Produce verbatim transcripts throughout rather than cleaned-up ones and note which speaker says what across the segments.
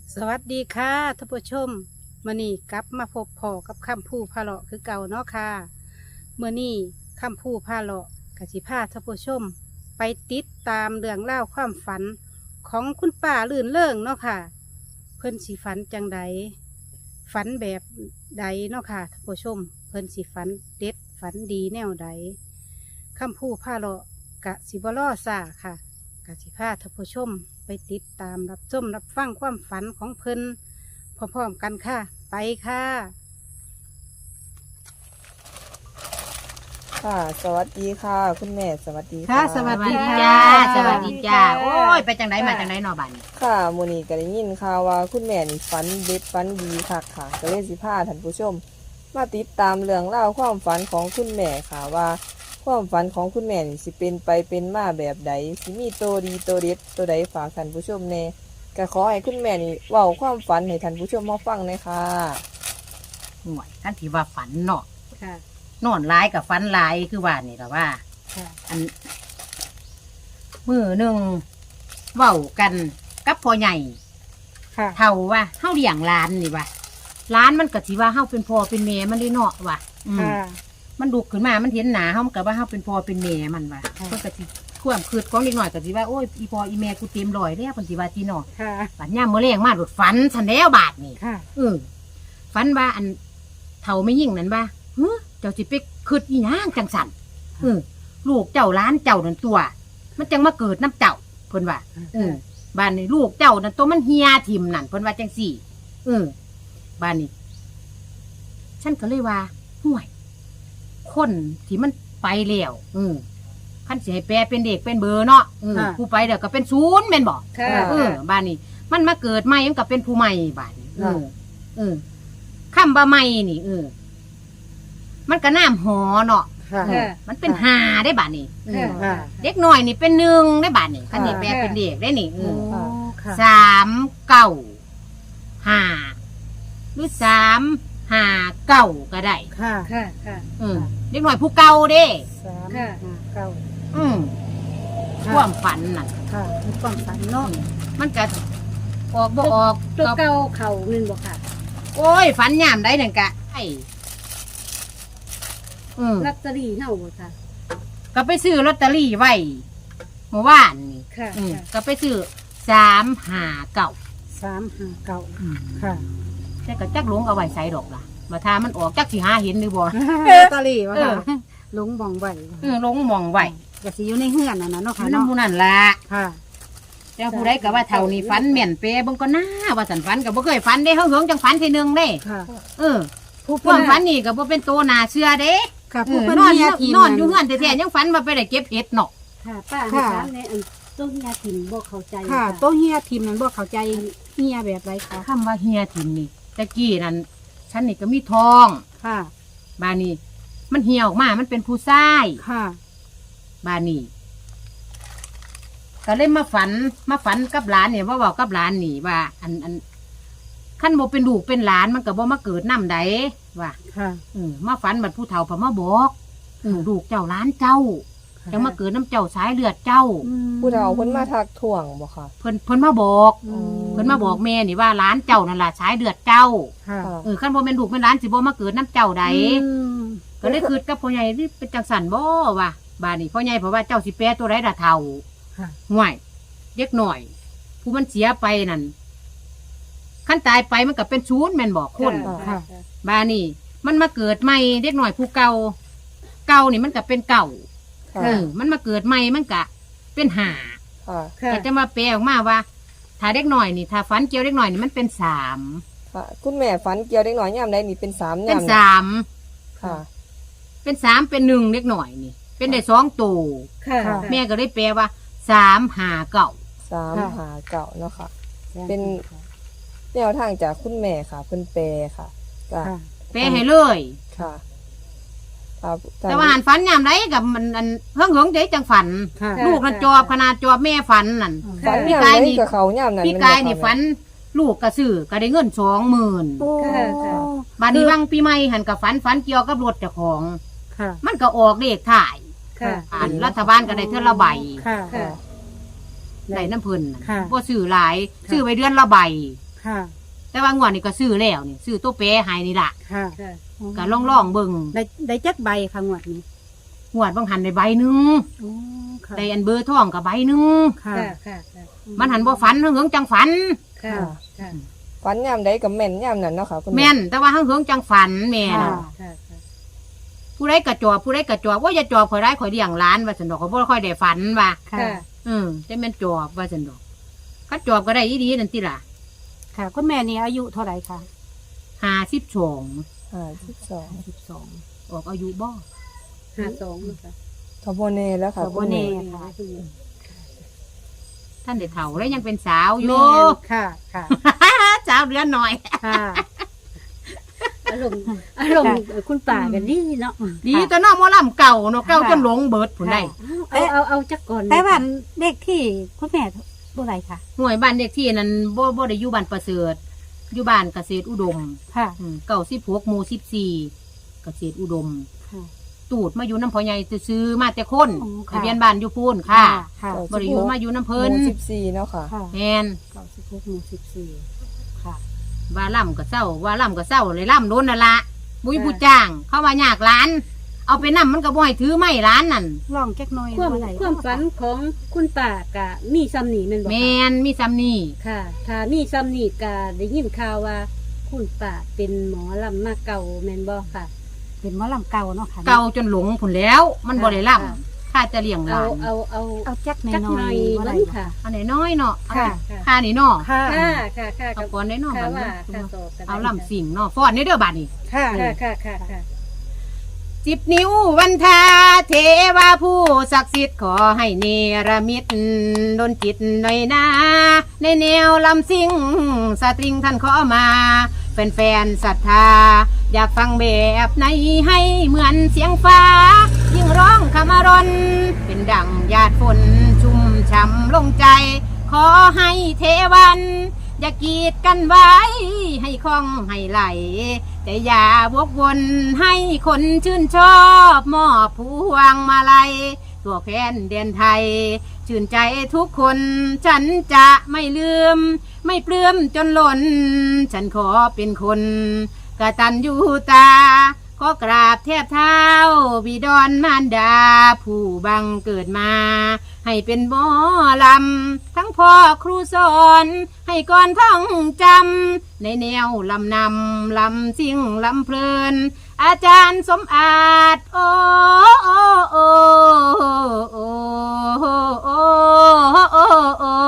Speaker 1: สวัสดีค่ะท่านผู้ชมมื่อนี้กลับมาพบพ่อกับคำพูพาเลาะคือเก่าเนาะค่ะเมื่อนี้คำพูพาเลาะกสิพาท่านผู้ชม ไปติดตามเรื่องเล่าวความฝันของคุณป้าลื่นเลิงเนาะค่ะ เพิ่นสีฝันจังใดฝันแบบใดเนาะค่ะท่านผู้ชม เพิ่นสีฝันเด็ดฝันดีแนวใดคำพูพาเลาะกะสิบล้อซาค่ะกสิพาท่านผู้ชม ไปติดตามรับชมรับฟังความฝันของเพิ่นพร้อมๆกันค่ะ ไปค่ะ
Speaker 2: ค่ะสวัสดีค่ะ คุณแม่สวัสดี
Speaker 1: ค่ะสวัสดี
Speaker 3: จ้า
Speaker 1: ค่ะ
Speaker 3: สวัสดีจ้า โอ้ย ไปจังไหนมาจังไหนนอบัน
Speaker 2: ค่ะมูนีก็ได้ยินข่าวว่าคุณแม่นี่ฝันเด็ดฝันดีค่ะค่ะก็เลยสิพาท่านผู้ชม มาติดตามเรื่องเล่าวความฝันของคุณแม่ค่ะว่า ความฝันของคุณแม่นี่สิเป็นไปเป็นมาแบบใดสิมีโตวดีโตวเด็ดตัวใดฝากท่านผู้ชมแน่ก็ขอให้คุณแม่นี่เว้าความฝันให้ท่านผู้ชมมาฟังเลยค่ะ
Speaker 3: ห่วยท่านที่ว่าฝันเนาะ
Speaker 1: ค่ะ
Speaker 3: นอนร้ายกับฝันร้ายคือว่านี่แหละว่า
Speaker 1: ค่ะ
Speaker 3: อันมือหนึ่งเว้ากันกับพ่อใหญ่
Speaker 1: ค่ะ
Speaker 3: เท่าว่าเฮาเลี้ยงหลานนี่ว่าหลานมันก็สิว่าเฮาเป็นพ่อเป็นแม่มันได้เนาะว่ะอืม
Speaker 1: ค่ะ
Speaker 3: มันดุขึ้นมามันเห็นหนาเฮามันก็ว่าเฮาเป็นพ่อเป็นแม่มันว่ะ
Speaker 1: ค่ะ
Speaker 3: เพิ่นก็สิความคืดของเด็กน้อยก็สิว่าโอ้ยอีพ่ออีแม่กูเต็มร้อยแล้วเพิ่นสิว่าจีเนาะ
Speaker 1: ค่ะ
Speaker 3: บัดยามมื้อแลงมาโดดฝันซั่นแล้วบาดนี่
Speaker 1: ค่ะ
Speaker 3: เออฝันว่าอันเท่าไม่ยิ่งนั่นว่าเฮ้เจ้าสิไปคืดอีหยังจังสันเออลูกเจ้าล้านเจ้านั่นตัว มันจังมาเกิดน้ำเจ้าเพิ่นว่าเออบ้านนี้ลูกเจ้านั่นตัวมันเฮียทิมนั่นเพิ่นว่าจังสี่เออบ้านนี้ฉันก็เลยว่าห่วย คนที่มันไปแล้วเออขั้นสิให้แปลเป็นเด็กเป็นเบอร์เนาะเออผู้ไปเดี๋ยวก็เป็นศูนย์แม่นบอก
Speaker 1: ค่ะ
Speaker 3: เออบ้านนี้ มันมาเกิดใหม่มันก็เป็นผู้ใหม่บ้านนี้เออ เออข้ามบะใหม่นี่เออ มันก็น้ำหอเนาะ
Speaker 1: ค่ะ
Speaker 3: เออมันเป็นหาได้บ้านนี้เออ
Speaker 1: ค่ะ
Speaker 3: เด็กหน่อยนี่เป็นหนึ่งได้บ้านนี้คันนี้แปลเป็นเด็กได้นี่เอ
Speaker 1: โอ้
Speaker 3: อ
Speaker 1: ค่ะ
Speaker 3: สามเก้าห้าหรือสามห้าเก้าก็ได้
Speaker 1: ค่ะ ค่ะ ค่ะ
Speaker 3: เออเด็กหน่อยผู้เก่าเด้
Speaker 1: สามห้าเก้า
Speaker 3: อืมความฝันน่ะ
Speaker 1: ค่ะมีความฝันเนาะ
Speaker 3: มันก็ออกบ่ออก
Speaker 1: ตัว
Speaker 3: ก็
Speaker 1: เก่าเข่าเงินบ่ค่ะ
Speaker 3: โอ้ยฝันยามได้หนึ่งกะไอ้อืม
Speaker 1: ลอตเตอรี่เน่าบ่ค่ะ
Speaker 3: ก็ไปซื้อลอตเตอรี่ไว้เมื่อวานนี่
Speaker 1: ค่ะ
Speaker 3: อืมก็ไปซื้อสามห้าเก้า
Speaker 1: สามห้าเก้าค่ะ
Speaker 3: แต่ก็จักหลงเอาไว้ใส่ดอกล่ะมาทามันออกจักสิหาเห็นหรือบ่
Speaker 1: ลอตเตอรี่บ่
Speaker 3: เอ
Speaker 1: ค่ะ
Speaker 3: อ
Speaker 1: ลุงมองไว้
Speaker 3: เออหลงมองไว้
Speaker 1: ก็สิอยู่ในเฮือนนั่นน่ะเนาะ
Speaker 3: อ
Speaker 1: ค่ะ
Speaker 3: ยู่
Speaker 1: เนาะ
Speaker 3: น้ำผู้นั่นล่ะ
Speaker 1: ค่ะ
Speaker 3: แต่ผู้ใดก็ว่าเท่านี้ฝันแม่นเปเบิ่งก็น่าว่าสันฝันก็บ่เคยฝันได้เฮาเหิงจังฝันทีนึงเด้
Speaker 1: ค่ะ
Speaker 3: เออความฝันนี่ก็บ่เป็นโตน่าเชื่อเด้
Speaker 1: ค่ะ
Speaker 3: เอ
Speaker 1: ผู้
Speaker 3: อ
Speaker 1: เพิ่น
Speaker 3: นอน
Speaker 1: เฮียทีม
Speaker 3: นอนอยู่เฮือนแท้ๆยังฝันว่าไปได้เก็บเห็ดเนาะ
Speaker 4: ค่ะป้า
Speaker 1: ค่ะ
Speaker 4: ถามในอันต้นยาถิ่นบอกเข้าใจ
Speaker 1: ค่ะโตเฮียทีมนั้นบ่เข้าใจเฮียแบบไรคะ
Speaker 3: คำว่าเฮียถิ่นนี่ตะกี้นั่นฉันนี่ก็มีทอง
Speaker 1: ค่ะ
Speaker 3: บานนี้ มันเหี่ยวออกมา มันเป็นผู้ชาย
Speaker 1: ค่ะ
Speaker 3: บานนี้ก็เลยมาฝัน มาฝันกับหลานเนี่ยว่าบอกกับหลานนี่ว่า อันอันขั้นโบเป็นลูกเป็นหลานมันก็บ่มาเกิดน้ำใดว่า
Speaker 1: ค่ะ
Speaker 3: เออมาฝันบัดผู้เฒ่าพอมาบอกเออลูกเจ้าหลานเจ้าจะมาเกิดน้ำเจ้าสายเลือดเจ้า
Speaker 2: ผู้เฒ่าเพิ่นมาทักถ่วงบ่ค่ะ
Speaker 3: เพิ่นเพิ่นมาบอก
Speaker 1: อืม
Speaker 3: เพิ่นมาบอกแม่นี่ว่าหลานเจ้านั่นล่ะสายเลือดเจ้า
Speaker 1: ค่ะ
Speaker 3: เออขั้นโบเป็นลูกเป็นหลานสิบ่มาเกิดน้ำเจ้าใด
Speaker 1: อืม
Speaker 3: ก็เลยคืดกับพ่อใหญ่นี่เป็นจังสันบ่ว่ะบาดนี้พ่อใหญ่เพราะว่าเจ้าสิแปรตัวไรดะเท่า
Speaker 1: ค่ะ
Speaker 3: ห่วยเด็กหน่อย ผู้มันเสียไปนั่นขั้นตายไปมันก็เป็นชูนย์แม่นบอกคน
Speaker 1: ค่ะ
Speaker 3: บาดนี้ มันมาเกิดใหม่เด็กหน่อยผู้เก่าเก่านี่มันก็เป็นเก่า
Speaker 2: ค่ะ
Speaker 3: เออมันมาเกิดใหม่มันก็เป็นหา
Speaker 2: ค่ะ
Speaker 1: ค่ะ
Speaker 3: ก็จะมาแปลออกมาว่า ถ้าเด็กหน่อยนี่ถ้าฝันเกี่ยวเด็กหน่อยนี่มันเป็นสาม
Speaker 2: ค่ะ คุณแม่ฝันเกี่ยวเด็กน้อยยามใดนี่เป็นสาม
Speaker 3: เป็น
Speaker 2: ยาม
Speaker 3: สาม
Speaker 2: ค่ะ
Speaker 3: เป็นสามเป็นหนึ่งเด็กหน่อยนี่ เป็นได้สองตัว
Speaker 4: ค่ะ
Speaker 1: ค่ะ
Speaker 3: แม่ก็เลยแปลว่าสามหาเก่า
Speaker 2: สาม
Speaker 1: ค่ะ
Speaker 2: หาเก่าเนาะค่ะ เป็น แนวทางจากคุณแม่ค่ะเพิ่นแปลค่ะก็
Speaker 1: ค่ะ
Speaker 3: แปลให้เลย
Speaker 2: ค่ะครับ
Speaker 3: แต่ว่าหันฝันยามไรกับมันอันเฮิงเหิงใจจังฝัน
Speaker 1: ค่ะ
Speaker 3: ลูกนั่นจอบขนาดจอบแม่ฝันนั่น
Speaker 2: ฝัน
Speaker 3: พี่
Speaker 2: ยาม
Speaker 3: กาย
Speaker 2: ใด
Speaker 3: นี่
Speaker 2: กับเขายามนั้น
Speaker 3: พี่กายนี่ฝัน ลูกกระซื้อก็ได้เงินสองหมื่น
Speaker 1: โอ้
Speaker 4: ค่ะ
Speaker 3: บานนี้วังปีใหม่หันกับฝันฝันเกี่ยวกับรถเจ้าของ
Speaker 1: ค่ะ
Speaker 3: มันก็ออกเลขถ่าย
Speaker 4: ค่ะ
Speaker 3: อันรัฐบาลก็ได้เท่าละใบ
Speaker 1: ค่ะ
Speaker 4: ค่ะ
Speaker 3: ได้น้ำเพิ่น
Speaker 1: ค่ะ
Speaker 3: ว่าซื้อหลาย
Speaker 1: ค่ะ
Speaker 3: ซื้อไปเดือนละใบ
Speaker 1: ค่ะ
Speaker 3: แต่ว่างวดนี่ก็ซื้อแล้วนี่ซื้อตัวแปรให้นี่ล่ะ
Speaker 1: ค่ะ
Speaker 4: ค่ะ
Speaker 3: ก็ลองลองๆเบิ่ง
Speaker 1: ได้ได้จักใบค่ะงวดนี้
Speaker 3: งวดบางหันได้ใบหนึง
Speaker 1: โอ้ค่ะ
Speaker 3: ได้อันเบอร์ทองกับใบหนึง
Speaker 1: ค่ะ
Speaker 4: ค่ะค่ะค่ะ
Speaker 3: มันหันบ่ฝันเหิงๆจังฝัน
Speaker 4: ค่ะค่ะ
Speaker 2: ฝันยามใดกับแม่นยามนั้นเนาะค่ะคุณ
Speaker 3: แม่นแต่ว่าเหิงๆจังฝันแม่น่ะ
Speaker 1: ค่ะ
Speaker 4: ค่ะค่ะ
Speaker 3: ผู้ใดกระจอบผู้ใดกระจอบว่าอย่าจอบข่อยได้ข่อยเลี้ยงหลานว่าซั่นดอกข่อยบ่ค่อยได้ฝันว่า
Speaker 1: ค่ะ
Speaker 4: ค่ะ
Speaker 3: อืมแต่แม่นจอบว่าซั่นดอกก็จอบก็ได้อีดีนั่นติล่ะ
Speaker 1: ค่ะคุณแม่นี่อายุเท่าไหร่คะ
Speaker 3: ห้าสิบสอง
Speaker 2: ห้าสิบสอง
Speaker 1: สิบสอง
Speaker 3: ออกอายุบ่
Speaker 4: ห้าสองค่ะ
Speaker 2: ทบเน่แล้วค่ะ
Speaker 1: ขอบ
Speaker 2: คุณ
Speaker 1: เน่
Speaker 2: แม่
Speaker 1: ค่ะ
Speaker 3: ท่านได้เฒ่าแล้วยังเป็นสาวอ
Speaker 1: แม่
Speaker 3: ยู่
Speaker 1: นค่ะ ค่ะ
Speaker 3: สาวเดือนหน่อย
Speaker 1: ค่ะ
Speaker 4: อารมณ์อารมณ์คุณป่ากันดีเนาะ
Speaker 3: ดีแต่น้องหมอลำเก่าเนาะเก่าจนหลงเบิดผุนได้
Speaker 4: เอาเอาเอาจักก่อน
Speaker 1: แต่ว่าเด็กที่คุณแม่เท่าไหร่คะ
Speaker 3: หน่วยบ้านเด็กที่นั้นบ่บ่ได้อยู่บ้านประเสริฐอยู่บ้านเกษตรอุดม
Speaker 1: ค่ะ
Speaker 3: อืมเก่าสิบหกหมู่สิบสี่เกษตรอุดม
Speaker 1: ค่ะ
Speaker 3: ตูดมาอยู่น้ำพ่อใหญ่ซื้อๆมาแต่คน
Speaker 1: อ๋อค่ะ
Speaker 3: ทะเบียนบ้านอยู่พูนค่ะ
Speaker 1: ค่ะ
Speaker 3: บ่ได้อยู่มาอยู่น้ำ
Speaker 2: ห
Speaker 3: เพิ่น
Speaker 2: มู่สิบสี่เนาะค่ะ
Speaker 1: ค่ะ
Speaker 3: แมน
Speaker 1: เก้าสิบหกหมู่สิบสี่ค่ะ
Speaker 3: ว่าล่ำก็เศร้าว่าล่ำก็เศร้าเลยล่ำโดนนั่นละบุยผู้จ้าง เขาว่ายากร้าน เอาไปนั่มันก็บ่ให้ถือไม่ร้านนั่น
Speaker 1: ลองแก๊กน้อย
Speaker 4: ความ
Speaker 1: บ่ได้
Speaker 4: ความฝันของคุณป่ากะมีซ้ำนี่แม่นบ่
Speaker 3: แม
Speaker 4: คะ
Speaker 3: นมีซ้ำนี่
Speaker 4: ค่ะ ถ้ามีซ้ำนี่กะได้ยินข่าวว่า คุณป่าเป็นหมอลำมาเก่าแม่นบ่ค่ะ
Speaker 1: เป็นหมอลำเก่าเนาะค่ะ
Speaker 3: เก่าจนหลงผุนแล้ว มันบ่ได้ล่
Speaker 4: ค่ะ
Speaker 3: ำข้าจะเลี้ยงห
Speaker 4: เอา
Speaker 3: ลาน
Speaker 4: เอาเอา
Speaker 1: เอาแก๊กน้
Speaker 4: จักห
Speaker 1: อ
Speaker 4: น่อย ย
Speaker 1: ๆบ่
Speaker 4: วั
Speaker 1: ได้
Speaker 4: น
Speaker 1: บ่
Speaker 4: ค่ะ
Speaker 3: อันไหนน้อยเนาะ
Speaker 1: ค่ะ
Speaker 3: ค่านี่เนาะ
Speaker 1: ค่ะ
Speaker 4: ค่ะค่ะค่ะ
Speaker 3: เอาก่อนได้เนาะ
Speaker 4: ค่ะ
Speaker 3: บัด
Speaker 4: ว่า
Speaker 3: นี้
Speaker 4: ค่ะต่อกัน
Speaker 3: เอาล่ำสิ่งเนาะฟ้อนในเด้อบัดนี้
Speaker 1: ค่ะ
Speaker 4: ค่ะค่ะค่ะค่ะ
Speaker 3: สิบนิ้ววันทาเทวาผู้ศักดิ์สิทธิ์ขอให้เนรมิตดนจิตหน่อยนาในแนวลำซิ่งสตริงท่านขอมาแฟนๆศรัทธา อยากฟังแบบไหนให้เหมือนเสียงฟ้า ยิ่งร้องคำอรนเป็นดังหยาดฝนชุ่มช่ำลงใจ ขอให้เทวัน อย่ากีดกันไว้ ให้คล่องให้ไหล แต่อย่าวกวนให้คนชื่นชอบมอบพวงมาลัยตัวแฟนเดียนไทย ชื่นใจทุกคนฉันจะไม่ลืม ไม่เปลื้มจนหล่น ฉันขอเป็นคนกตัญญูตา ขอกราบแทบเท้าบิดรมารดา ผู้บังเกิดมา ให้เป็นหมอลำ ทั้งพ่อครูสอน ให้ก่อนท่องจำในแนวลำนำลำสิ่งลำเพลิน อาจารย์สมอาจโอ้โอ้โอ้โอ้โอ้โอ้โอ้โอ้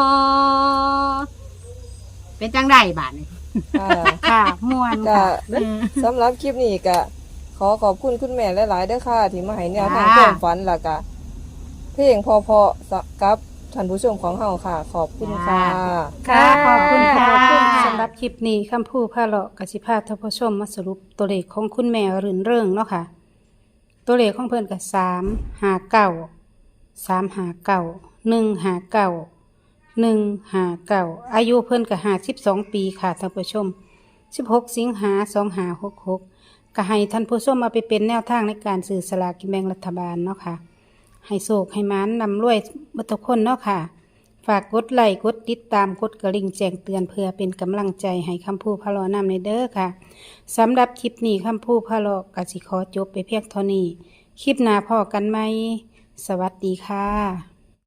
Speaker 3: เป็นจังได้บาทนี่
Speaker 2: ค่ะ
Speaker 1: ค่ะม่วน
Speaker 2: ก็
Speaker 1: ค่ะ
Speaker 2: สำหรับคลิปนี้ก็ขอขอบคุณคุณแม่หลายๆเด้อค่ะ ที่มาให้แนวทาง
Speaker 3: ค่ะ
Speaker 2: ความฝันแล้วก็เพลงพอๆสกับท่านผู้ชมของเฮาค่ะ ขอบคุณค่ะ
Speaker 1: ค่ะขอบคุณค่ะ
Speaker 3: ขอบคุณค่ะ
Speaker 1: สำหรับคลิปนี้คำพูดพาเลาะกสิพาท่านผู้ชมมาสรุปตัวเลขของคุณแม่รื่นเริงเนาะค่ะ ตัวเลขของเพิ่นกับสามหาเก้าสามหาเก้าหนึ่งหาเก้าหนึ่งหาเก้าอายุเพิ่นกับหาสิบสองปีค่ะท่านผู้ชมสิบหกสิงหาสองหาหกหกก็ให้ท่านผู้ชมมาไปเป็นแนวทางในการสื่อสลากกินแบ่งรัฐบาลเนาะค่ะ ให้โศกให้มานนำรวยบัตรคนเนาะค่ะ ฝากกดไลค์กดติดตามกดกระลิ่งแจ้งเตือนเพื่อเป็นกำลังใจให้คำพูดพะเลอนำในเด้อค่ะสำหรับคลิปนี้คำพูดพะเลอกสิขอจบไปเพียงเท่านี้ คลิปหน้าพอกันไหม สวัสดีค่ะ